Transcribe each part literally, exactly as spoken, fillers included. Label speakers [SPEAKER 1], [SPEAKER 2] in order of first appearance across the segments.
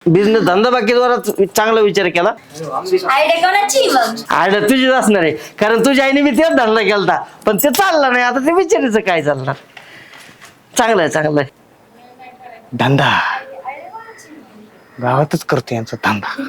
[SPEAKER 1] Business धंदा बाकी जोरात चांगला विचार केला.
[SPEAKER 2] आयडिया कोणाची मग?
[SPEAKER 1] आयडिया तुझीच असणार आहे, कारण तुझ्या आईने मी तेच धंदा केलता पण ते चालला नाही. आता ते विचारायचं काय चालणार. चांगलं आहे चांगलं आहे.
[SPEAKER 3] धंदा गावातच करतो यांचा धंदा.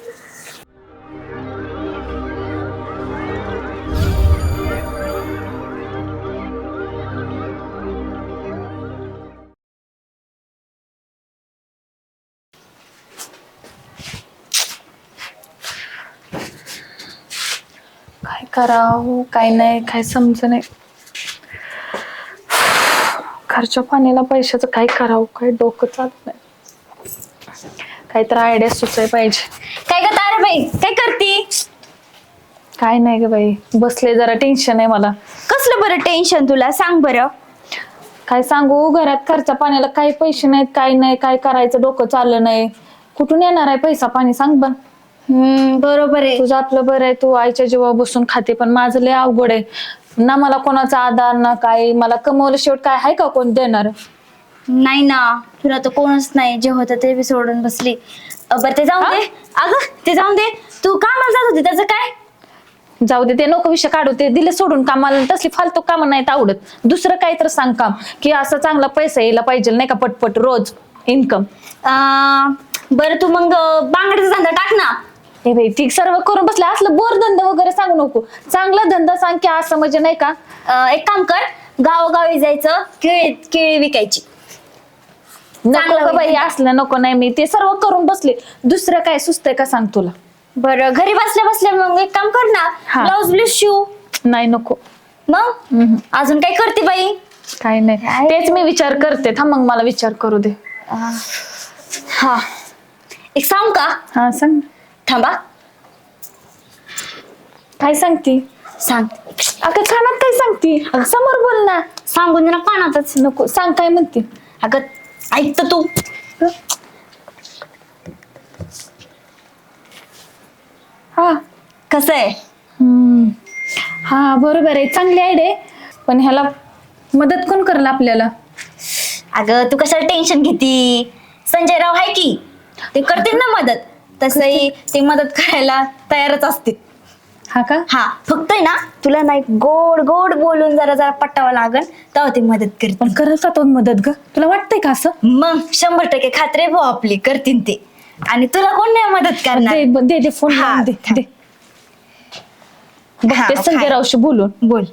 [SPEAKER 4] काय करावं काय नाही काय समज नाही. घरच्या पाण्याला पैशाचं काय करावं काय डोकं चालत नाही. काहीतरी आयडिया सुचाय पाहिजे.
[SPEAKER 2] काय ग ताराबाई, काय करती?
[SPEAKER 4] काय नाही ग बाई, बसले जरा टेन्शन आहे मला.
[SPEAKER 2] कसलं बरं टेन्शन तुला, सांग बरं.
[SPEAKER 4] काय सांगू, घरात खर्चा पाण्याला काही पैसे नाहीत काय नाही, काय करायचं डोकं चाललं नाही. कुठून येणार आहे पैसा पाणी सांग बन.
[SPEAKER 2] हम्म बरोबर आहे.
[SPEAKER 4] तुझं आपलं बरं आहे, तू आईच्या जीवावर बसून खाते, पण माझं लय अवघड आहे ना. मला कोणाचा आधार ना काय, मला कमवलं शेवट काय आहे का कोण देणार.
[SPEAKER 2] नाही ना, तुला तर कोणच नाही. जे होतं ते बी सोडून बसली. अ, बरं ते जाऊन दे. अगं ते जाऊन दे, तू कामाला जात होती त्याचं काय?
[SPEAKER 4] जाऊ दे, ते नको विषय काढू. ते दिले सोडून कामाला, तसली फालतू कामं नाहीत आवडत. दुसरं काही तर सांग काम, की असं चांगला पैसा यायला पाहिजे नाही का, पटपट रोज इन्कम.
[SPEAKER 2] बरं तू मग बांगड्याचा धंदा टाक ना.
[SPEAKER 4] हे बाई ती सर्व करून बसले, असलं बोर धंदा वगैरे सांगू नको. चांगला धंदा सांग की असं म्हणजे नाही का.
[SPEAKER 2] अं, एक काम कर, गावोगावी जायचं, केळी केळी विकायची.
[SPEAKER 4] नको ग बाई, असलं नको. नाही मी ते सर्व करून बसले, दुसरं काय सुचतंय का सांग तुला.
[SPEAKER 2] बरं घरी बसल्या बसल्या मग एक काम कर ना,
[SPEAKER 4] हा.
[SPEAKER 2] ब्लाऊज ब्लाऊज शिव.
[SPEAKER 4] नाही नको.
[SPEAKER 2] मग अजून काय करते बाई?
[SPEAKER 4] काय नाही, तेच मी विचार करते. थांब मग मला विचार करू दे.
[SPEAKER 2] हा एक सांग का?
[SPEAKER 4] हा सांग.
[SPEAKER 2] थांबा
[SPEAKER 4] काय सांगती?
[SPEAKER 2] सांग.
[SPEAKER 4] अगं कानात काय सांगती? समोर बोल ना.
[SPEAKER 2] सांगून दे ना कानातच.
[SPEAKER 4] नको सांग, काय म्हणते.
[SPEAKER 2] अगं ऐक तर तू.
[SPEAKER 4] हा
[SPEAKER 2] कसं आहे?
[SPEAKER 4] हम्म. हा बरोबर आहे, चांगली आयडिया आहे. पण ह्याला मदत कोण करेल आपल्याला?
[SPEAKER 2] अगं तू कशाला टेन्शन घेती? संजय राव आहे की, ते करतील ना मदत. तसंही ते मदत करायला तयारच असतील.
[SPEAKER 4] हा का?
[SPEAKER 2] हा फक्त आहे ना, तुला नाही गोड गोड बोलून जरा जरा पटावं लागल, तेव्हा ते मदत करतील.
[SPEAKER 4] पण करेल का तो मदत ग? तुला वाटतंय का असं?
[SPEAKER 2] मग शंभर टक्के खात्री भाऊ आपली करतील ते. आणि तुला कोण नाही मदत करणार.
[SPEAKER 4] दे दे दे फोन
[SPEAKER 2] हा,
[SPEAKER 4] लावून दे
[SPEAKER 2] थांब.
[SPEAKER 4] दे.
[SPEAKER 2] हा,
[SPEAKER 4] बघते संजय
[SPEAKER 2] काय?
[SPEAKER 4] रावशी बोलून.
[SPEAKER 2] बोल.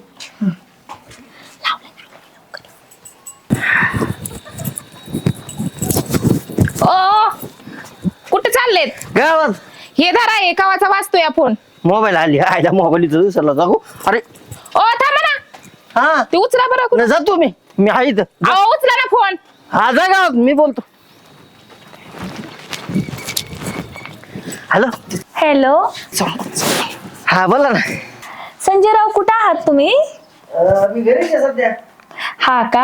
[SPEAKER 5] ओ कुठे चाललेत?
[SPEAKER 1] गावात
[SPEAKER 5] हे धरा, हे कावाचा वाचतोय फोन.
[SPEAKER 1] मोबाईल आली, आयला मोबाईल इथं दिसायला जाऊ. अरे
[SPEAKER 5] ओ थांबा ना,
[SPEAKER 1] हा
[SPEAKER 5] ते उचला बरं कुठं.
[SPEAKER 1] नाही जातो मी मी आहे इथं.
[SPEAKER 5] अहो उचला ना फोन.
[SPEAKER 1] हा जा गावात, मी बोलतो. हॅलो
[SPEAKER 4] हॅलो
[SPEAKER 1] हा बोला ना.
[SPEAKER 4] संजय राव, कुठे आहात तुम्ही?
[SPEAKER 1] मी घरीच आहे सध्या.
[SPEAKER 4] हा का?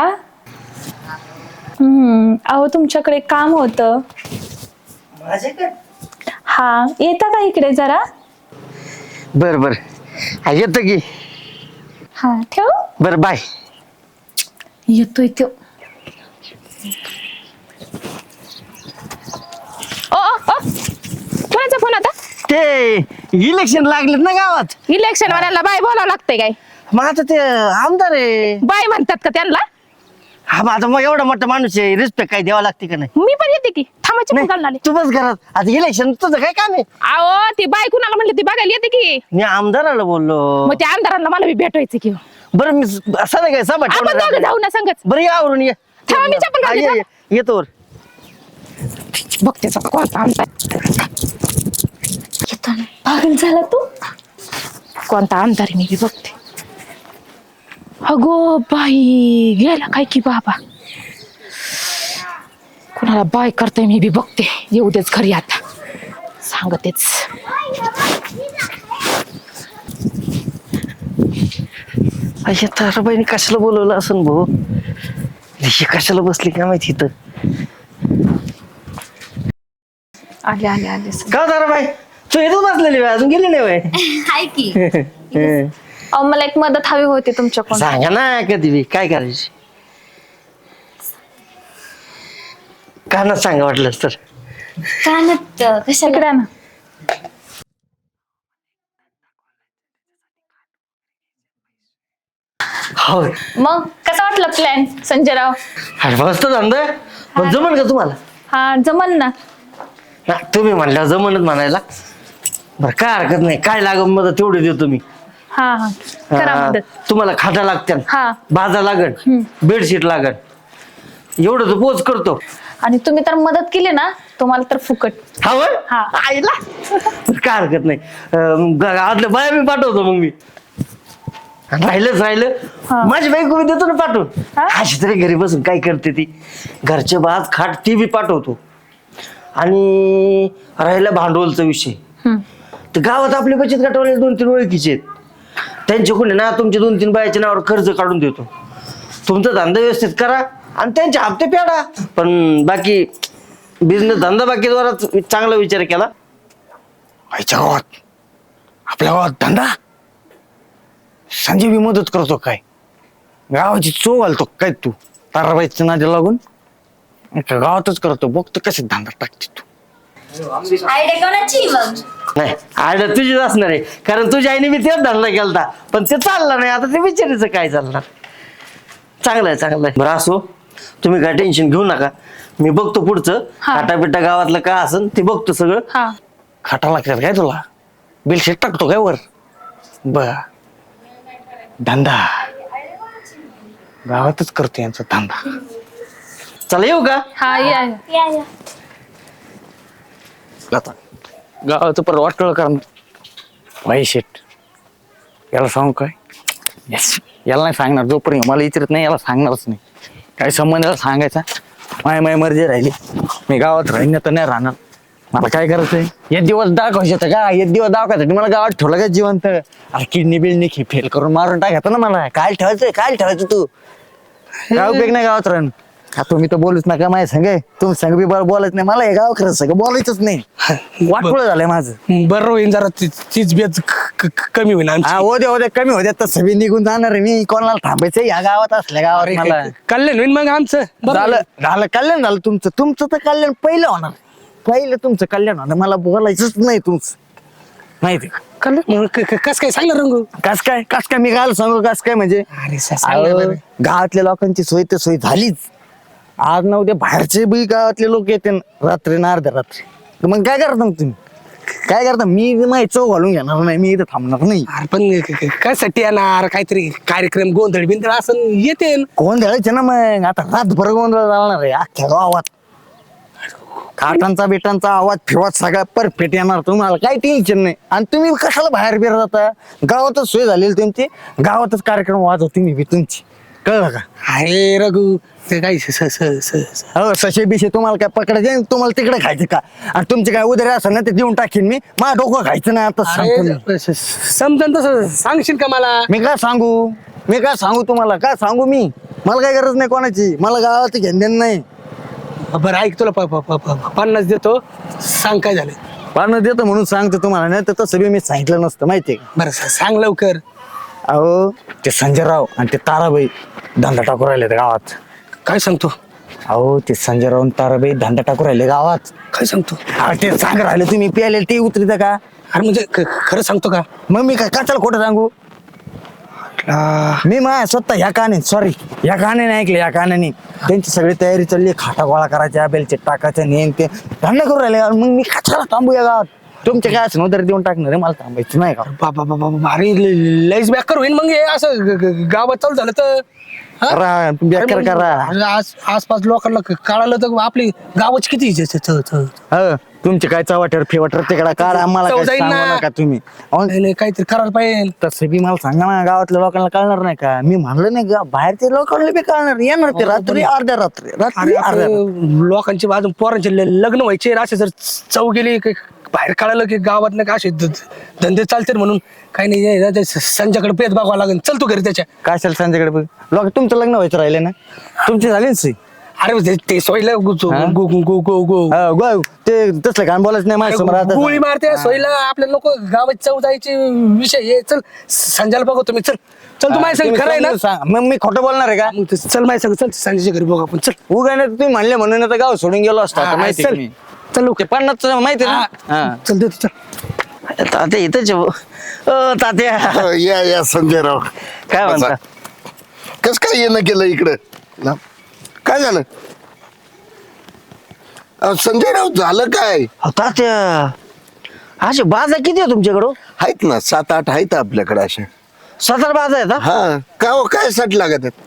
[SPEAKER 4] हम्म. अहो तुमच्याकडे काम होतं.
[SPEAKER 1] माझ्याकडे
[SPEAKER 4] हा, येता का इकडे जरा?
[SPEAKER 1] बर बर हा येतो की.
[SPEAKER 4] हा ठेव.
[SPEAKER 1] बर बाय.
[SPEAKER 4] येतोय तो.
[SPEAKER 5] ओ ओ ओ कोणाचा फोन आता?
[SPEAKER 1] ते इलेक्शन लागलेत ना गावात.
[SPEAKER 5] इलेक्शन वाल्याला बाय बोलावं लागतंय काय?
[SPEAKER 1] मग आता ते आमदार आहे.
[SPEAKER 5] बाय म्हणतात का त्यांना?
[SPEAKER 1] हा मग आता मग एवढा मोठा माणूस आहे, रिस्पेक्ट काय द्यावा लागते का नाही?
[SPEAKER 5] मी पण येते की. थांबाची फोन घालून आले.
[SPEAKER 1] तू बस घरात. आता इलेक्शन तुझं काय काम आहे?
[SPEAKER 5] अहो ती बाय कुणाला म्हणली ती बघायला येते की.
[SPEAKER 1] मी आमदाराला बोललो.
[SPEAKER 5] मग त्या आमदारांना मला बी भेटायचं की.
[SPEAKER 1] बरं मी असं नाही काय सभा
[SPEAKER 5] आपण
[SPEAKER 1] ठेवणार
[SPEAKER 5] दोघं
[SPEAKER 1] आहे.
[SPEAKER 5] जाऊ ना संगच.
[SPEAKER 1] बरं या आवरून ये.
[SPEAKER 5] थांबा, मी चप्पल
[SPEAKER 1] हा,
[SPEAKER 5] घालते,
[SPEAKER 1] ये,
[SPEAKER 5] थांबा.
[SPEAKER 1] ये. येतो वर.
[SPEAKER 5] बघते आता कोणता आमदार.
[SPEAKER 4] पागल झाला तू?
[SPEAKER 5] कोणता आमदार आहे मी बी बघते. अगो बाई गेला काय की बाबा. कुणाला बाय करताय मी बी बघते. येऊ देच घरी आता, सांगतेच.
[SPEAKER 1] अशा ताराबाईने कशाला बोलवलं असं भाऊ? ही कशाला बसली काय माहिती इथं.
[SPEAKER 4] आले आले आले.
[SPEAKER 1] का ताराबाई तू इथं बसलेली बाई, अजून गेली नाही बाई.
[SPEAKER 2] हाय की.
[SPEAKER 4] अहो मला एक मदत हवी होती तुमच्याकडून.
[SPEAKER 1] सांगा ना कधी बी काय करायची. कानात सांगा वाटलंच तर.
[SPEAKER 2] कानात अं, कशाला
[SPEAKER 4] इकडे आण.
[SPEAKER 1] हो
[SPEAKER 4] मग कसा वाटला प्लॅन संजयराव?
[SPEAKER 1] अरे मस्त धंदा आहे. पण जमन का तुम्हाला?
[SPEAKER 4] हा जमन ना.
[SPEAKER 1] ना, तुम्ही म्हणल्यावर जमनच म्हणायला. बरं काय हरकत नाही, काय लागत मदत तेवढी देतो मी.
[SPEAKER 4] हा हा करा
[SPEAKER 1] हा,
[SPEAKER 4] मदत.
[SPEAKER 1] तुम्हाला खाटा लागत्या,
[SPEAKER 4] हा.
[SPEAKER 1] बाजा लागन, बेडशीट लागन, एवढं तर पोच करतो.
[SPEAKER 4] आणि तुम्ही तर मदत केली ना तुम्हाला तर फुकट.
[SPEAKER 1] हा होय?
[SPEAKER 4] हा.
[SPEAKER 1] आईला काय हरकत नाही. अं, ग- आदल्या बाया मी पाठवतो मग मी. आणि राहिलंच राहिलं
[SPEAKER 4] हा.
[SPEAKER 1] माझी बायको मी देतो ना पाठवून.
[SPEAKER 4] हा?
[SPEAKER 1] अशी तरी घरी बसून काय करते ती, घरचे बाज खाट ती बी पाठवतो. आणि राहिला भांडवलचा विषय,
[SPEAKER 4] हम्म.
[SPEAKER 1] तर गावात आपले बचत गटावाले दोन तीन ओळखीचे आहेत, त्यांच्याकडून ना तुमचे दोन तीन बायाच्या नावावर कर्ज काढून देतो. तुमचा धंदा व्यवस्थित करा आणि त्यांचे हप्ते फेडा. पण बाकी बिझनेस धंदा बाकी द्वारा चांगला विचार केला.
[SPEAKER 3] आईच्या गावात आपल्या गावात धंदा संजय बी मदत करतो काय? गावाची चो घालतो काय तू? ताराबाईच्या नादी लागून एका गावातच करतो. बघतो कसे धंदा टाकते तू.
[SPEAKER 2] आयडिया कोणाची मग?
[SPEAKER 1] नाही आयडिया तुझीच असणार आहे, कारण तुझ्या आईने मी तेच धंदा केलता पण ते चालला नाही. आता ते विचारायचं काय चालणार. चांगलं आहे चांगलं आहे. बरं असो, तुम्ही काय टेन्शन घेऊ नका, मी बघतो पुढचं.
[SPEAKER 4] हा.
[SPEAKER 1] काटापिटा गावातलं काय असन ते बघतो सगळं.
[SPEAKER 4] हा
[SPEAKER 3] खाटा लागतात काय तुला? बिलशेट टाकतो काय वर? बर धंदा गावातच करतो यांचा धंदा.
[SPEAKER 1] चला येऊ का?
[SPEAKER 4] हा या या.
[SPEAKER 2] या या
[SPEAKER 3] आता गावाचं पर वाटलं करणार भाई शेट. याला सांगू काय? येस याला नाही सांगणार, जोपर्यंत मला विचारत नाही याला सांगणारच नाही. काय संबंध याला सांगायचा? माय माय मर्जी राहिली, मी गावात राहीन तर नाही राहणार. मला काय करायचंय? एक दिवस दाखवायचं का? एक दिवस दाखवायचं मला गावात ठेवलं का जिवंत? अरे किडनी बिडनी फेल करून मारून टाकायचं ना मला. काय ठेवायचंय? काय ठेवायचं तू? काय उपयोग नाही गावात राहून. हा तुम्ही तर बोलूच नका माझ्या संग, तुम्ही संग बी बरं बोलायच नाही. मला हे गाव खरं सगळं बोलायचंच नाही. वाटपुळ झालंय माझं.
[SPEAKER 6] बरं होईन जरा ती- तीच बेच क- क- कमी होईन आमची.
[SPEAKER 3] हा हो दे हो दे कमी होत्या तसं बी निघून जाणार आहे मी. कोणाला थांबायचं या गावात असल्या गावात मला.
[SPEAKER 6] कल्याण होईन मग आमचं. बरं
[SPEAKER 3] झालं झालं कल्याण झालं तुमचं. तुमचं तर कल्याण पहिलं होणार, पहिलं तुमचं कल्याण होणार. मला बोलायचंच नाही तुमचं, माहिती
[SPEAKER 6] कल्याण मग क- क- कस काय सांगणार रंगू?
[SPEAKER 3] कस काय कस काय मी काय सांगू कस काय म्हणजे
[SPEAKER 6] अरे सा- सांग ना
[SPEAKER 3] अहो,
[SPEAKER 6] बरं.
[SPEAKER 3] गावातल्या लोकांची सोय तर सोय झालीच. आज ना उद्या बाहेरचे बी गावातले लोक येते ना रात्री ना अर्ध्या रात्री. तर मग काय करता मग तुम्ही? काय करता? मी माहिती चौ घालून घेणार नाही, मी इथं थांबणार नाही.
[SPEAKER 6] अरे पण क- क- कशासाठी येणार? काहीतरी कार्यक्रम गोंधळ बिंधळ असं येते
[SPEAKER 3] कोण द्यायचे ना मग? आता रातभर गोंधळ चालणार आहे अख्ख्या गावात. काटांचा बिटांचा आवाज फिवाज सगळा परफेक्ट येणार, तुम्हाला काही टेन्शन नाही. आणि तुम्ही कशाला बाहेर बिर जाता? गावातच सोय झालेली तुमची, गावातच कार्यक्रम वाजव तुम्ही बी तुमची. कळलं का?
[SPEAKER 6] अरे रघु ते काही स- स- स- स- स-
[SPEAKER 3] हो सशे बिशे तुम्हाला काय पकडायचे आणि तुम्हाला तिकडे खायचं का? आणि तुमचे काय उदरे असेल ना ते देऊन टाकीन मी. माझं डोकं खायचं नाही आता सांगतो मी.
[SPEAKER 6] अरे स- स- समजन तसं सांगशील का मला?
[SPEAKER 3] मी काय सांगू? मी काय सांगू तुम्हाला? काय सांगू मी? मला काय गरज नाही कोणाची, मला गावात घेण देणं नाही.
[SPEAKER 6] बरं ऐक तुला प- प- प- प- पन्नास देतो, सांग काय झालं.
[SPEAKER 3] पानं देतो म्हणून सांगतो तुम्हाला, नाही तर तसं बी मी सांगितलं नसतं माहितीये का?
[SPEAKER 6] बरं स- सांग लवकर.
[SPEAKER 3] अहो ते संजयराव आणि ते ताराबाई धंदा टाकू राहिले गावात.
[SPEAKER 6] काय सांगतो?
[SPEAKER 3] अहो ते संजयराव आणि ताराबाई धंदा टाकू राहिले गावात.
[SPEAKER 6] काय सांगतो?
[SPEAKER 3] अरे ते सांग राहिले तुम्ही प्याले ते उतरित का?
[SPEAKER 6] अरे म्हणजे ख- खरं सांगतो का?
[SPEAKER 3] मग मी काय कशाला खोटं सांगू?
[SPEAKER 6] आ,
[SPEAKER 3] मी मा स्वतः ह्या काने सॉरी ह्या कानाने ऐकले, या कानाने त्यांची सगळी तयारी चालली. खाटा गोळा करायच्या, बेलचे टाकायच्या, नेम ते धंदा करू राहिले. मग मी कशाला थांबू या गावात? तुमचे काय असं उदर देऊन टाकणार आहे, मला थांबायचं नाही का?
[SPEAKER 6] बाबा बाबा बाबा, अरे ल- लयच बेकार होईन मग हे असं ग- ग- गावात चालू झालं तर. हा?
[SPEAKER 3] करा तुम्ही बेकार
[SPEAKER 6] अरे मग-
[SPEAKER 3] करा.
[SPEAKER 6] अरे आज आसपास लोकांना क- कळालं तर आपली गावाची किती इज्जत आहे. थ- थ-
[SPEAKER 3] हो तुमचे काय चवाटर फेवटर तिकडा काढा, आम्हाला
[SPEAKER 6] चव
[SPEAKER 3] काय
[SPEAKER 6] जाईन
[SPEAKER 3] सांगू
[SPEAKER 6] ना.
[SPEAKER 3] नका तुम्ही. अहो,
[SPEAKER 6] नाही नाही, काहीतरी करायला पाहिजे.
[SPEAKER 3] तसं बी मला सांगा ना, गावातल्या लोकांना कळणार नाही का? मी म्हणलं नाही का बाहेरच्या लोकांना बी कळणार. येणार ते रात्री अर्ध्या रात्री रात्री
[SPEAKER 6] अरे
[SPEAKER 3] अर्ध्या रात्री.
[SPEAKER 6] आपले लोकांचे अजून पोरांचे ल- लग्न व्हायचे, असे जर चव गेली की बाहेर कळालं की गावात नाही का असे ध- धंदे चालते म्हणून काही नाही. हे ना, ते संजयकडे पेत बघावं लागेल. चल तू घरी त्याच्या.
[SPEAKER 3] काय असेल संजयकडे बघ. लोक तुमचं लग्न व्हायचं राहिले ना, तुमची झाली ना सोय?
[SPEAKER 6] अरे ते- ते सोयला गु-
[SPEAKER 3] हा?
[SPEAKER 6] गु- गु- गु- गु- गु-
[SPEAKER 3] हो, गो- ते तसलं काय बोलायचं नाही माझ्या समोर आता.
[SPEAKER 6] गोळी मारते सोयला. आपल्या लोक गावात चव जायचे विषय हे. चल संजयला बघू तुम्ही. चल चल तू माझ्या संग.
[SPEAKER 3] तुम्ही
[SPEAKER 6] खरं आहे ना?
[SPEAKER 3] समजून सांगा. मग मी खोटं बोलणार आहे का?
[SPEAKER 6] मग ते चल माझ्या संग. चल संजयच्या घरी बघू आपण. चल
[SPEAKER 3] उगा नाही तर तुम्ही म्हणले म्हणून आता गाव सोडून गेलो असतो आता,
[SPEAKER 6] हा,
[SPEAKER 3] माहिती
[SPEAKER 6] चल.
[SPEAKER 3] आहे का मी?
[SPEAKER 6] चल
[SPEAKER 3] ते पन्नास माहिती आहे ना हा.
[SPEAKER 6] चल देतो चल.
[SPEAKER 1] तात्या इथंच आहे. अ, तात्या
[SPEAKER 7] हो, या या संजयराव
[SPEAKER 1] काय म्हणता?
[SPEAKER 7] कस काय येणं केलं इकडं ना? काय झालं अहो, संजयराव झालं काय?
[SPEAKER 1] अहो, तात्या असे बाजा किती आहे तुमच्याकडं?
[SPEAKER 7] आहेत ना सात आठ आहेत आपल्याकडे अशा.
[SPEAKER 1] सतरा बाजा आहेत हा?
[SPEAKER 7] हा का हो, काय साठी लागत आहेत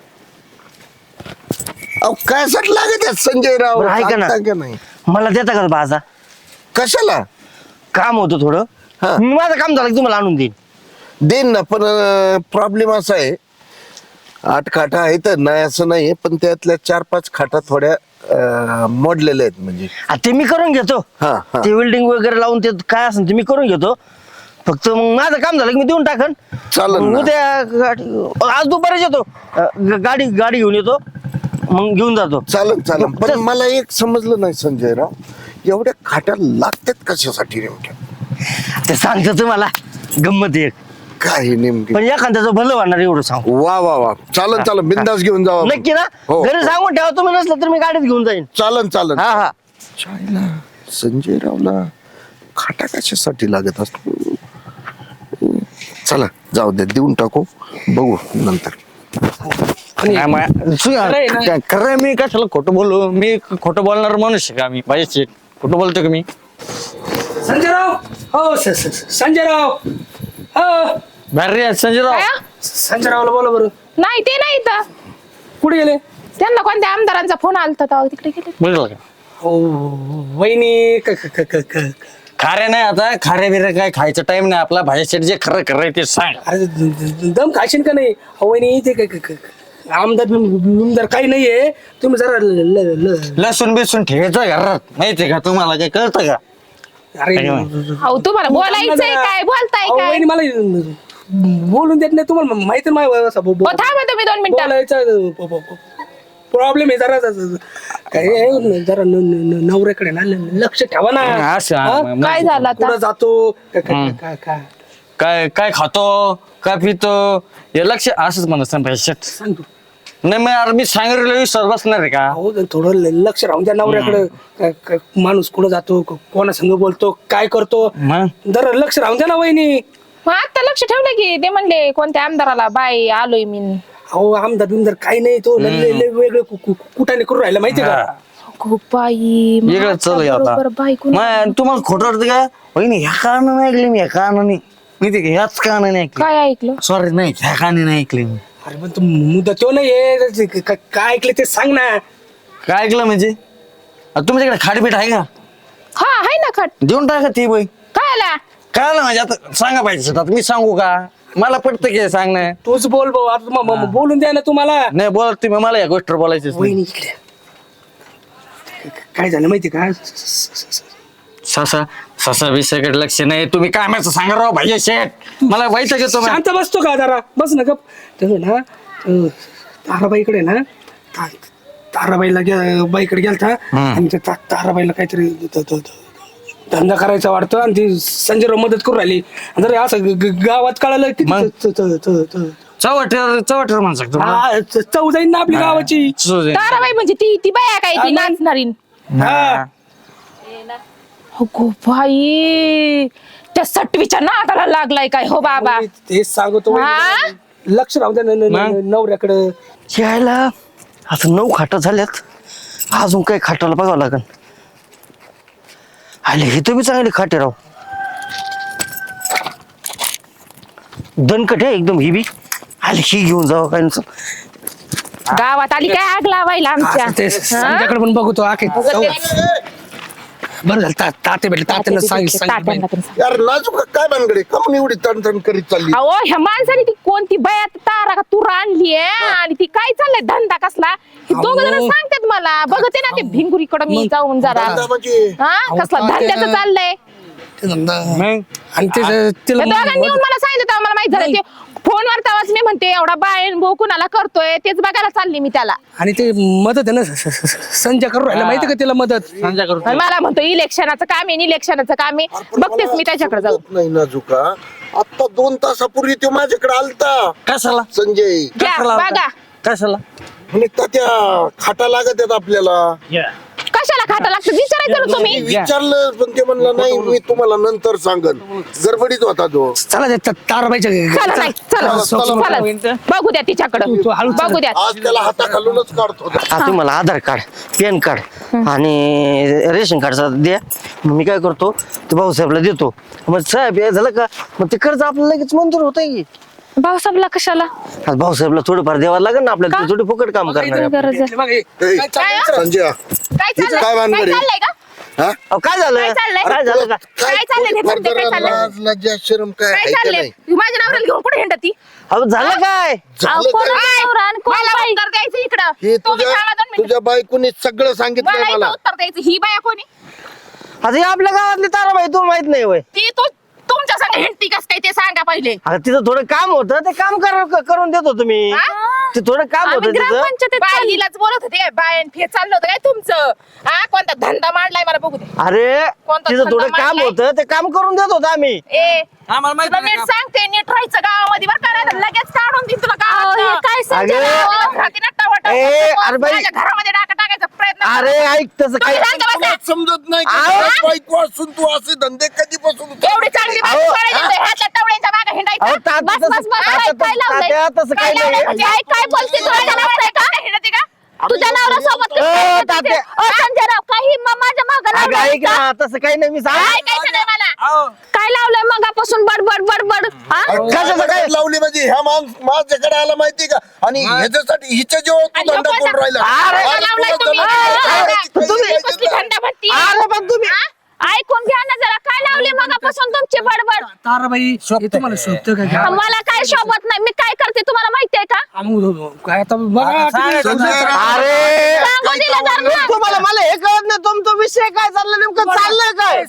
[SPEAKER 7] अहो काय साठी लागत आहेत संजयराव?
[SPEAKER 1] बरं, ऐका ना.
[SPEAKER 7] सांगता का नाही
[SPEAKER 1] मला देता का बाजा?
[SPEAKER 7] कशाला
[SPEAKER 1] काम होतं थोडं.
[SPEAKER 7] हा.
[SPEAKER 1] मी माझं काम झालं की तुम्हाला आणून देईन.
[SPEAKER 7] देईन ना पण प्रॉब्लेम असा आहे आठ खाटा आहेत नाही असं नाही पण त्यातल्या चार पाच खाटा थोड्या अं, मोडलेल्या आहेत म्हणजे
[SPEAKER 1] आ, ते मी करून घेतो.
[SPEAKER 7] हा, हा.
[SPEAKER 1] ते वेल्डिंग वगैरे लावून ते काय असेल ते मी करून घेतो. फक्त मग माझं काम झालं की मी देऊन टाकन.
[SPEAKER 7] चालेल
[SPEAKER 1] मग
[SPEAKER 7] ना.
[SPEAKER 1] उद्या गाडी आज दुपारच येतो. अ, ग- गाडी गाडी घेऊन येतो मग घेऊन जातो.
[SPEAKER 7] चालन चालन पण
[SPEAKER 1] चल.
[SPEAKER 7] मला एक समजलं नाही संजयराव एवढ्या खाट्या लागतात कशासाठी नेमक्या
[SPEAKER 1] ते सांगतो तुम्हाला गंमत एक.
[SPEAKER 7] काय हे नेमके
[SPEAKER 1] पण एखाद्याचं भलं वाढणार एवढं सांगू.
[SPEAKER 7] वा वा वा चालन चालन बिंदास घेऊन जावा
[SPEAKER 1] नक्की ना?
[SPEAKER 7] हो,
[SPEAKER 1] घरी
[SPEAKER 7] हो.
[SPEAKER 1] सांगून ठेवा तुम्ही नसलं तर मी गाडीत घेऊन जाईन.
[SPEAKER 7] चालन चालन
[SPEAKER 1] हा हा
[SPEAKER 7] चायला संजयरावला खाटा कशासाठी लागत असतो चला जाऊ दे देऊन टाकू बघू नंतर
[SPEAKER 3] काय मा- सु-
[SPEAKER 6] खरंय ना.
[SPEAKER 3] काय- खरंय मी कशाला खोटं बोलू मी खोटं बोलणार माणूस आहे का मी पाहिजे खोटं बोलतो का मी
[SPEAKER 6] संजयराव हो स- स- स- संजयराव हो
[SPEAKER 3] भारी संजयराव
[SPEAKER 5] काय?
[SPEAKER 6] संजयरावला बोला बरं
[SPEAKER 5] नाही ते नाही इथं.
[SPEAKER 6] कुठे गेले
[SPEAKER 5] त्यांना कोणत्या आमदारांचा फोन आलता तेव्हा तिकडे गेले.
[SPEAKER 3] बघितलं का
[SPEAKER 6] हो वहिनी क- क- क- क- क-
[SPEAKER 3] खारे नाही आता खारे बिरे काय खायचं टाइम नाही आपला भाजी जे खरं खरं ते सांग
[SPEAKER 6] अरे द- द- दम खाशील का नाही अहो, वहिनी ते क- क- क- आमदार बिम- बिमदार काही नाहीये तुम्ही जरा ल- ल- ल-
[SPEAKER 3] लसूण बिसून ठेवायचं घरात माहितीये का तुम्हाला काय कळतं का
[SPEAKER 6] अरे
[SPEAKER 3] काय
[SPEAKER 5] अहो तुम्हाला बोलायचंय काय बोलताय
[SPEAKER 6] अहो,
[SPEAKER 5] काय
[SPEAKER 6] वहिनी मला बोलून देत नाही तुम्हाला माहिती नाही माझ्या असं बो- बो-
[SPEAKER 5] हो थांबा तुम्ही दोन मिनिटं.
[SPEAKER 6] बोलायचं प्रॉब्लेम आहे जरा जरा- काय आहे, जरा न- न- न- नवऱ्याकडे ना ल- लक्ष ठेवा ना
[SPEAKER 3] असं,
[SPEAKER 6] हा?
[SPEAKER 3] मग-
[SPEAKER 5] काय झालं आता?
[SPEAKER 6] कुठं जातो का- का-
[SPEAKER 3] हम्म.
[SPEAKER 6] का- का-
[SPEAKER 3] काय काय खातो काय पितो हे लक्ष असंच म्हणत भाजी
[SPEAKER 6] सांग तू
[SPEAKER 3] नाही मग यार मी सांगितलं विश्वास बसणार आहे का
[SPEAKER 6] हो थोडं ल- लक्ष राहून द्या नवऱ्याकडे का- का- माणूस कुठं जातो क- कोणा संग बोलतो काय करतो
[SPEAKER 3] मग
[SPEAKER 6] जरा लक्ष राहून द्या ना वहिनी
[SPEAKER 5] मग आता लक्ष ठेवलं की ते म्हणले कोणत्या आमदाराला बाय आलोय मी.
[SPEAKER 6] अहो आमदार बिमदार काही नाही तो ल- ल- ल- वेगळे कु- कु- कुठाने करून राहिला माहितीये का
[SPEAKER 5] खूप बाई मग
[SPEAKER 3] वेगळं
[SPEAKER 5] आता
[SPEAKER 3] चालू आता
[SPEAKER 5] बरोबर बायको
[SPEAKER 3] मग तुम्हाला खोटं वाटतं का वहिनी ह्या कारणाने ऐकले मी ह्या कारणाने माहिती का ह्याच कारणाने ऐकले
[SPEAKER 5] काय ऐकलं
[SPEAKER 3] सॉरी नाही ह्या कारणाने ऐकले मी
[SPEAKER 6] अरे पण तू मुद्दा तो नाही काय ऐकलं ते सांग ना
[SPEAKER 3] काय ऐकलं म्हणजे आता तुमच्याकडे खाडपीठ आहे का
[SPEAKER 5] हा आहे ना खट
[SPEAKER 3] देऊन टाका ती बाई
[SPEAKER 5] काय आला
[SPEAKER 3] काय आलं म्हणजे आता सांगा पाहिजे आता मी सांगू का मला पडतं की सांगणं
[SPEAKER 6] तूच बोल भाऊ आता म- म- बोलून द्या ना तुम्हाला
[SPEAKER 3] नाही बोल तुम्ही मला या गोष्टीवर बोलायचं
[SPEAKER 6] वहिनी इकडे काय झालं माहिती का
[SPEAKER 3] ससा ससा विषयाकडे लक्ष नाही तुम्ही काय माहिती सांगा राव भाई शेठ मला वाईट घेतो मग.
[SPEAKER 6] शांत बसतो का जरा बस ना गप तर ना अं, ताराबाईकडे ना ता- ताराबाईला गे- बाईकडे गेलता आणि त्या ता- ताराबाईला काहीतरी द- द- द- धंदा करायचा वाटतं आणि ती संजयराव मदत करून राहिली आणि जर असं ग- ग- गावात कळालं की
[SPEAKER 3] मग?
[SPEAKER 6] च- च- च- च-
[SPEAKER 3] चवटर चवटर म्हणू शकतो
[SPEAKER 6] हा, च- चव जाईन ना आपली गावाची
[SPEAKER 5] ताराबाई म्हणजे ती ती बाया काय ती नाचणारी
[SPEAKER 6] हा
[SPEAKER 5] अगो बाई त्या सटवीच्या नादाला लागलाय काय हो बाबा
[SPEAKER 6] तेच सांगतो
[SPEAKER 5] हा?
[SPEAKER 6] वहिनी. लक्ष राहू द्या न- न-
[SPEAKER 3] मग?
[SPEAKER 6] न- नवऱ्याकडं
[SPEAKER 1] यायला आता नऊ खाटा झाल्यात अजून काही खाटाला बघावं लागन. आले हे तुम्ही चांगले खाटे राव दणकट आहे एकदम ही बी आले ही घेऊन जावं काय नसं.
[SPEAKER 5] गावात आली काय आग लावायला आमच्या
[SPEAKER 6] असं ते
[SPEAKER 5] हा?
[SPEAKER 6] संध्याकडे पण बघतो आखे बरं झालं ता- ताते भेटले तात्यानं सांग
[SPEAKER 5] तात्यांना पण सांग.
[SPEAKER 7] यार नाजूक काय भानगडे का म्हणून एवढी तणतण करीत चालली
[SPEAKER 5] अहो ह्या माणसाने ती कोणती बयात तारा का तूर आणली आणि ती काय चाललंय धंदा कसला हे दोघ जण सांगतात मला बघते ना ते भिंगुरीकडे मी जाऊन जरा
[SPEAKER 7] धंदा म्हणजे
[SPEAKER 5] हा कसला धंद्याचं चाललंय
[SPEAKER 3] मग
[SPEAKER 6] आणि ते
[SPEAKER 5] त्या
[SPEAKER 6] तिला
[SPEAKER 5] दोघांनी येऊन मला सांगितलं तेव्हा मला माहित झालं ते फोनवर तेव्हाच मी म्हणते एवढा बायन भाऊ कुणाला करतोय तेच बघायला चालली मी त्याला
[SPEAKER 6] आणि ते मदत आहे ना स- स- स- संजय करून राहिला माहिती का तिला मदत
[SPEAKER 3] संजय करू
[SPEAKER 5] आणि मला म्हणतो इलेक्शनाचं काम आहे इलेक्शनाचं काम आहे बघतेच मी त्याच्याकडे जाऊ
[SPEAKER 7] समजत नाही नाजूका आता दोन तासापूर्वी तो माझ्याकडे आलता
[SPEAKER 3] कशाला
[SPEAKER 7] संजय
[SPEAKER 5] घ्या
[SPEAKER 3] कशाला
[SPEAKER 5] बघा
[SPEAKER 3] कशाला
[SPEAKER 7] म्हणे त्या खाटा लागत आहेत आपल्याला
[SPEAKER 5] कशाला खाता लागतं विचारायचं ना तुम्ही.
[SPEAKER 7] मी विचारलं पण ते म्हणलं नाही मी तुम्हाला नंतर सांगन. गडबडीत होता तो.
[SPEAKER 6] चला त्या त्या ताराबाईच्या
[SPEAKER 5] चला नाही चला
[SPEAKER 7] चला, चला.
[SPEAKER 5] चला बघू द्या तिच्याकडं
[SPEAKER 6] तू हळू चल.
[SPEAKER 5] बघू द्या.
[SPEAKER 7] आज त्याला हाताखालूनच काढतो.
[SPEAKER 1] हा तुम्हाला आधार कार्ड पॅन कार्ड आणि रेशन कार्डचा द्या. मग मी काय करतो ते भाऊसाहेबला देतो. मग साहेब हे झालं का मग ते कर्ज आपल्याला लगेच मंजूर होत की.
[SPEAKER 4] भाऊसाहेबला कशाला
[SPEAKER 1] आज भाऊसाहेबला थोडंफार द्यावं लागेल ना आपल्याला. ते थोडी फुकट काम करणार आहे.
[SPEAKER 4] गरज आहे?
[SPEAKER 6] बघ, हे,
[SPEAKER 7] ए,
[SPEAKER 6] काय चाललंय?
[SPEAKER 7] संजय
[SPEAKER 5] काय
[SPEAKER 7] हिचं
[SPEAKER 5] चाललंय
[SPEAKER 7] काय भानगड
[SPEAKER 5] काय
[SPEAKER 7] आहे?
[SPEAKER 5] चाललंय का
[SPEAKER 7] हा?
[SPEAKER 1] अहो, काय झालं
[SPEAKER 5] काय चाललंय?
[SPEAKER 1] काय झालं का
[SPEAKER 5] काय चाललंय ते फक्त काय चाललंय?
[SPEAKER 7] लाज लज्जा शरम काय
[SPEAKER 5] काय
[SPEAKER 7] आहे का
[SPEAKER 5] चाललंय
[SPEAKER 7] नाही?
[SPEAKER 5] तू माझ्या नवऱ्याला घेऊन कुठे हिंडती
[SPEAKER 1] अहो झालं काय
[SPEAKER 4] अहो,
[SPEAKER 7] झालं
[SPEAKER 4] कोण
[SPEAKER 7] काय?
[SPEAKER 4] आहे नवरा आणि कोण
[SPEAKER 5] मला
[SPEAKER 4] बाई?
[SPEAKER 5] उत्तर द्यायचं
[SPEAKER 7] हे
[SPEAKER 5] इकडं तुम्ही
[SPEAKER 7] तुझ्या
[SPEAKER 5] थांबा दोन मिनिटं.
[SPEAKER 7] तुझ्या बायकोनी सगळं सांगितलंय
[SPEAKER 5] मला इथं
[SPEAKER 7] मला.
[SPEAKER 5] उत्तर द्यायचं ही बाया कोणी
[SPEAKER 1] आता हे आपल्या गावातली ताराबाई तू माहित नाही वय.
[SPEAKER 5] ती तू तुमच्या संग हिंडती कस काय ते सांगा पहिले.
[SPEAKER 1] आता तिथं थोडं काम होतं ते काम कर- करून देतो तुम्ही.
[SPEAKER 5] हा?
[SPEAKER 1] ते थोडं काम
[SPEAKER 4] आम्ही
[SPEAKER 1] होतं तिथं.
[SPEAKER 4] ग्रामपंचायतीत चाललो.
[SPEAKER 5] बाईलाच बोलत होते काय बायन फे चाललं होतं काय तुमचं हा कोणता धंदा मांडलाय मला बघू दे.
[SPEAKER 1] अरे
[SPEAKER 5] कोणता
[SPEAKER 1] तिथं थोडं
[SPEAKER 5] धंदा
[SPEAKER 1] काम
[SPEAKER 5] मांडलाय?
[SPEAKER 1] होतं ते काम करून देत होतो आम्ही.
[SPEAKER 5] ए
[SPEAKER 6] आम्हाला माहिती
[SPEAKER 5] तुला
[SPEAKER 6] नाही
[SPEAKER 5] नीट
[SPEAKER 6] का?
[SPEAKER 5] सांगते नीट राहायचं गावामध्ये बरं का नाही तर लगेच काढून देईन तुला
[SPEAKER 4] अहो, हे
[SPEAKER 5] गावात
[SPEAKER 4] काय संजय
[SPEAKER 1] अगं,
[SPEAKER 4] राव?
[SPEAKER 1] ए, अरे बाई.
[SPEAKER 5] माझ्या घरामध्ये डाका टाकायचा प्रयत्न कर.
[SPEAKER 1] अरे ऐक तसं
[SPEAKER 5] तुम्ही
[SPEAKER 1] काय
[SPEAKER 5] शांत बसा.
[SPEAKER 7] तुला समजत नाही का?
[SPEAKER 1] आहो.
[SPEAKER 7] घरात बायको असून तू असे धंदे कधीपासून
[SPEAKER 5] एवढी चांगली
[SPEAKER 1] अहो,
[SPEAKER 5] बायको करायची तर ह्यातल्या टवळ्यांच्या मागे हिंडायचं.
[SPEAKER 1] अहो, ता-
[SPEAKER 4] बस,
[SPEAKER 1] तसं-
[SPEAKER 4] बस, बस.
[SPEAKER 1] आता
[SPEAKER 4] काय-
[SPEAKER 1] तसं-
[SPEAKER 4] काय लावलंय?
[SPEAKER 1] तात्या, तसं
[SPEAKER 5] काय
[SPEAKER 1] काही
[SPEAKER 5] लावलंय
[SPEAKER 1] नाही.
[SPEAKER 5] म्हणजे? आई काय बोलते तुला नवरा का? हिंडते का?
[SPEAKER 4] तुझ्या नवरा सोबत
[SPEAKER 1] अ, तात्या.
[SPEAKER 4] संजय राव काही म- माझ्या मागं
[SPEAKER 1] अगं
[SPEAKER 4] लावलंय
[SPEAKER 1] ऐक
[SPEAKER 4] का?
[SPEAKER 1] ना तसं काही नाही मी
[SPEAKER 5] काय
[SPEAKER 1] सांग
[SPEAKER 5] ऐकायचं नाही मला.
[SPEAKER 6] अहो,
[SPEAKER 4] काय लावलंय मगापासून बडबड बडबड हा?
[SPEAKER 1] कशाचं काय?
[SPEAKER 7] लावली म्हणजे ह्या माणूस माझ्याकडे आला माहिती का आणि ह्याच्यासाठी हिच्या जेव्हा तू
[SPEAKER 5] आणि
[SPEAKER 7] धंदा
[SPEAKER 5] नको
[SPEAKER 7] करून राहिला
[SPEAKER 1] अरे,
[SPEAKER 7] अरे,
[SPEAKER 5] लावलाय
[SPEAKER 7] तुला
[SPEAKER 5] तुम्ही.
[SPEAKER 7] धंदा
[SPEAKER 5] हा,
[SPEAKER 7] करायची
[SPEAKER 5] हा.
[SPEAKER 7] काही
[SPEAKER 1] तुम्ही-
[SPEAKER 7] पाहिजे
[SPEAKER 5] कसली
[SPEAKER 7] ना.
[SPEAKER 5] थंड भरती.
[SPEAKER 1] अरे पण तुम्ही
[SPEAKER 4] ऐकून घ्या ना जरा काय लावली मगापासून तुमची बडबड
[SPEAKER 6] ताराबाई हे तुम्हाला शोभतं का घ्या?
[SPEAKER 4] मला काय शोभत नाही मी काय करते तुम्हाला माहितीये का
[SPEAKER 6] आम्ही उधळतो. काय आता बघा तुम्ही-
[SPEAKER 7] संजय राव,
[SPEAKER 1] अरे
[SPEAKER 4] सांगू दिलं जर ना.
[SPEAKER 1] तुम्हाला मला हे कळत नाही तुमचा विषय काय चालला नेमकं चाललंय काय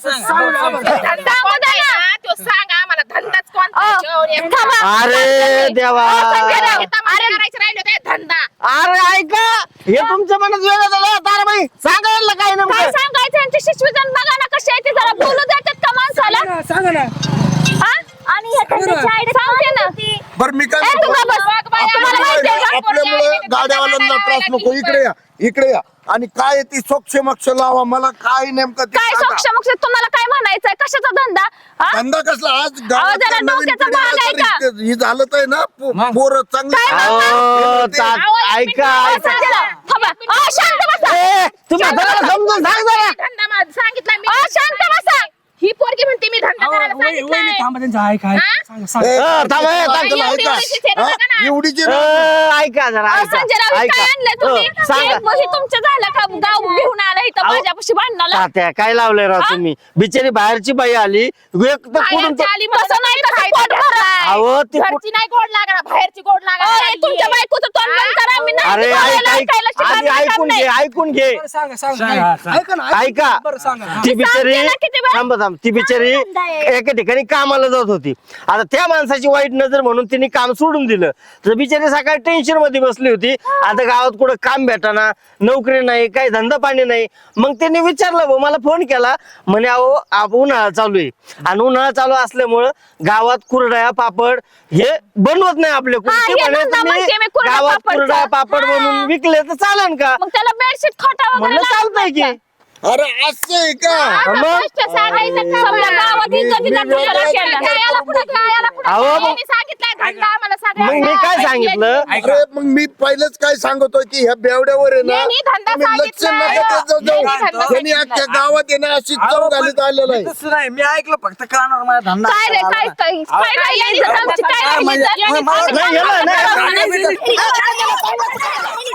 [SPEAKER 5] धंदा कोणता आहे ना? तो सांग आम्हाला धंदाच कोणता आहे?
[SPEAKER 4] अ,
[SPEAKER 5] जेवण एक
[SPEAKER 4] थांबा.
[SPEAKER 1] अरे देवा
[SPEAKER 5] संजय राव, हे तमाशा करायचं राहिलं ते धंदा.
[SPEAKER 1] अरे ऐका हे तुमच्या मनात वेगळं झालं ताराबाई सांगायला काय
[SPEAKER 4] काय
[SPEAKER 1] नेमकं
[SPEAKER 4] सांगायचं यांची शिशवी जण बघा ना कशी आहे ती जरा बोलू देतात का माणसाला
[SPEAKER 6] सांगा ना
[SPEAKER 4] हा? आणि ह्या त्यांची आईडी सांगते ना
[SPEAKER 7] बरं मी काय
[SPEAKER 4] ए, तू
[SPEAKER 7] म्हणतो?
[SPEAKER 4] का बस?
[SPEAKER 5] बाई,
[SPEAKER 4] तुम्हाला
[SPEAKER 5] आम्हाला
[SPEAKER 4] माहिती आहे का?
[SPEAKER 7] आपल्यामुळे गाड्यावाल्यांना त्रास नको इकडे या इकडे या आणि काय आहे ती सोक्ष मक्ष लावा मला काय नेमकं ते
[SPEAKER 4] काय
[SPEAKER 7] सांगा.
[SPEAKER 4] सोक्ष मोक्ष तुम्हाला काय म्हणायचंय कशाचा धंदा हा?
[SPEAKER 7] धंदा कसला आज
[SPEAKER 4] जरा
[SPEAKER 7] गावातल्या नवीन
[SPEAKER 4] डोक्याचा
[SPEAKER 7] पिढीला
[SPEAKER 4] भाग आहे
[SPEAKER 7] जर
[SPEAKER 4] का?
[SPEAKER 7] इतकं हे झालं तर आहे ना पो- पोरं चांगली
[SPEAKER 1] अहो, ता- ऐका
[SPEAKER 4] अ,
[SPEAKER 1] ऐका
[SPEAKER 4] संजय राव, थांबा. अ, शांत बसा
[SPEAKER 1] ए, तुम्ही हाताला समजून सांग जरा
[SPEAKER 5] धंदा माझा सांगितलाय मी.
[SPEAKER 4] अ, शांत बसा
[SPEAKER 5] ही पोरगी म्हणते मी धंदा
[SPEAKER 6] अहो,
[SPEAKER 5] करायला
[SPEAKER 6] वहिनी- वहिनी
[SPEAKER 5] सांगितलंय.
[SPEAKER 6] थांबा त्यांचं आहे काय
[SPEAKER 5] हा?
[SPEAKER 6] सांगा
[SPEAKER 7] ए,
[SPEAKER 6] सांगा
[SPEAKER 1] अ, थांबा, ए, थांबा.
[SPEAKER 7] तुला
[SPEAKER 5] एवढी-
[SPEAKER 7] ऐका.
[SPEAKER 5] एवढीची सेवा
[SPEAKER 7] हा?
[SPEAKER 5] नका ना.
[SPEAKER 7] एवढीची
[SPEAKER 1] अ,
[SPEAKER 7] ना.
[SPEAKER 1] ऐका जरा
[SPEAKER 4] अ,
[SPEAKER 1] ऐका
[SPEAKER 4] संजय राव हे काय आणलंय तुम्ही
[SPEAKER 1] अ, सांगा
[SPEAKER 4] एक बही तुमचं झालं का गाव घेऊन आलं इथं
[SPEAKER 1] अहो.
[SPEAKER 4] माझ्यापाशी भांडणाला
[SPEAKER 1] तात्या काय लावलंय राव तुम्ही बिचारी बाहेरची बाई आली एक तर कुठून
[SPEAKER 5] बाहेरची आली म्हणून
[SPEAKER 4] तसं नाही,
[SPEAKER 5] तुम्ही
[SPEAKER 4] तसं
[SPEAKER 5] फायदा
[SPEAKER 4] पोट भरा.
[SPEAKER 5] घेताय.
[SPEAKER 1] अहो, ती कुठ-
[SPEAKER 5] घरची नाही गोड लागणार बाहेरची गोड लागणार
[SPEAKER 4] अरे, तुमच्या बायकोचं तोंड बंद करा मी नाही
[SPEAKER 1] अरे
[SPEAKER 4] तुम्हाला
[SPEAKER 1] ऐक ऐक
[SPEAKER 4] ऐकायला
[SPEAKER 1] आधी
[SPEAKER 4] शिकायला काम
[SPEAKER 1] ऐकून
[SPEAKER 4] नाही.
[SPEAKER 1] घे ऐकून घे
[SPEAKER 6] बरं, सांगा सांगा ऐका ना
[SPEAKER 1] ऐका
[SPEAKER 6] बरं सांगा
[SPEAKER 1] ती बिचारी
[SPEAKER 4] सांगते ना किती वेळा?
[SPEAKER 1] थांब थांब ती बिचारी एका ठिकाणी कामाला जात होती आता त्या माणसाची वाईट नजर म्हणून तिने काम सोडून दिलं तर बिचारी सकाळी टेन्शन मध्ये बसली होती आता गावात कुठं काम भेटाना नोकरी नाही काही धंदा पाणी नाही मग त्यांनी विचारलं भाऊ मला फोन केला म्हणे अहो आप- उन्हाळा चालू आहे आणि उन्हाळा चालू असल्यामुळं गावात कुरडया पापड हे बनवत नाही आपले
[SPEAKER 4] हा, हे धंदा म्हणते मी, कुरडया
[SPEAKER 1] गावात
[SPEAKER 4] पापडचा.
[SPEAKER 1] कुरडया पापड
[SPEAKER 4] हा.
[SPEAKER 1] बनवून विकले तर चालेल का
[SPEAKER 4] मग त्याला बेडशीट खोटा वगैरे
[SPEAKER 1] म्हणलं
[SPEAKER 4] लागत
[SPEAKER 1] चालतंय
[SPEAKER 4] नाही
[SPEAKER 1] की
[SPEAKER 4] का?
[SPEAKER 7] अरे असं आहे का
[SPEAKER 4] आता
[SPEAKER 1] मग?
[SPEAKER 4] गोष्ट सांगायचं का? समजा गावात
[SPEAKER 7] मी-
[SPEAKER 4] इज्जतीचा
[SPEAKER 7] मी
[SPEAKER 4] तुकडा
[SPEAKER 7] वेगळं
[SPEAKER 4] केला.
[SPEAKER 7] काय
[SPEAKER 5] याला पुढे
[SPEAKER 7] करू?
[SPEAKER 5] याला पुढे
[SPEAKER 1] अहो, मग-
[SPEAKER 5] यांनी सांगितलंय धंदा आम्हाला
[SPEAKER 1] मग मी
[SPEAKER 5] सगळ्यांना.
[SPEAKER 1] काय सांगितलं
[SPEAKER 7] अरे मग मी पहिलेच काय सांगतोय की ह्या बेवड्यावर आहे ना
[SPEAKER 5] यांनी धंदा
[SPEAKER 7] तुम्ही लक्ष
[SPEAKER 5] सांगितलाय.
[SPEAKER 7] नका देत जाऊ.
[SPEAKER 5] यांनी धंदा
[SPEAKER 7] त्यांनी अख्ख्या गावात आहे ना अशी चव घालीत आलेलं आहे
[SPEAKER 3] तसं नाही मी ऐकलं फक्त कानावर माझा धंदा
[SPEAKER 4] काय रे काय काय काय राहिलं इज्जत आमची काय राहिली इज्जत?
[SPEAKER 1] नाही, याला नाही.
[SPEAKER 4] नाही, नाही, नाही.